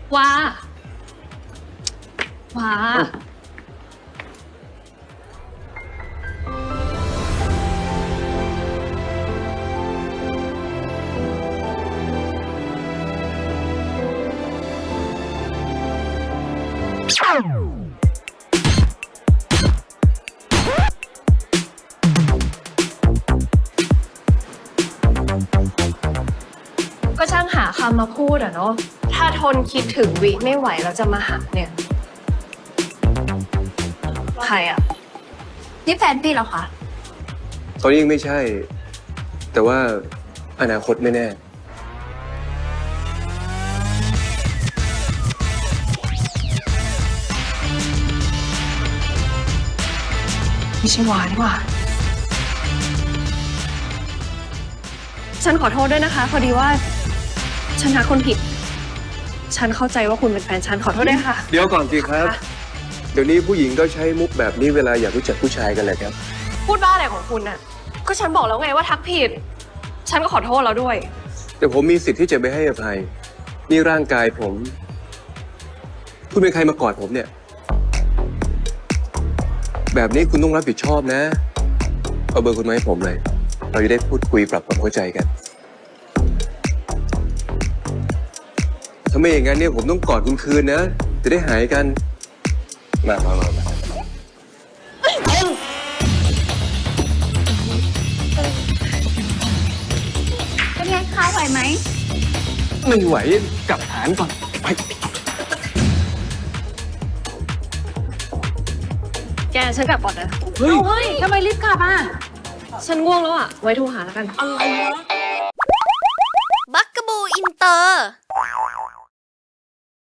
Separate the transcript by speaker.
Speaker 1: ว้าว้าก็ช่างหาคำมาพูดอะเนาะถ้าทนคิดถึงวิไม่ไหวแล้วจะมาหาเนี่ยใครอะนี่แฟนพี่เหรอคะ
Speaker 2: ตอนนี้ยังไม่ใช่ แต่ว่าอนาคตไม่แน่
Speaker 1: ไม่ใช่วานี่หว่าฉันขอโทษด้วยนะคะ พอดีว่าฉันทักคนผิด ฉันเข้าใจว่าคุณเป็นแฟนฉันขอโทษด้วยค่ะ
Speaker 2: เดี๋ยวก่อนสิครับ เดี๋ยวนี้ผู้หญิงก็ใช้มุกแบบนี้เวลาอยากรู้จักผู้ชายกันแหละครับ
Speaker 1: พูดบ้าอะไรของคุณน่ะ ก็ฉันบอกแล้วไงว่าทักผิด ฉันก็ขอโทษแล้วด้วย
Speaker 2: แต่ผมมีสิทธิ์ที่จะไม่ให้อภัย นี่ร่างกายผม คุณเป็นใครมากอดผมเนี่ย แบบนี้คุณต้องรับผิดชอบนะ เอาเบอร์คุณมาให้ผมเลย เราจะได้พูดคุยปรับความเข้าใจกัน ถ้าไม่อย่างนั้นเนี่ยผมต้องกอดคุณคืนนะ จะได้หายกัน มา
Speaker 3: เป็นไงคะไหวไหม
Speaker 2: ไม่ไหวกลับฐานก่อนไป
Speaker 1: แกฉันกลับก่อนนะ
Speaker 2: เฮ้ย
Speaker 3: เฮ้ยทำไมรีบกลับอ่ะ
Speaker 1: ฉันง่วงแล้วอ่ะ ไว้โทรหาแล้วกัน
Speaker 3: อะไรวะ
Speaker 4: บักกะบูอินเตอร์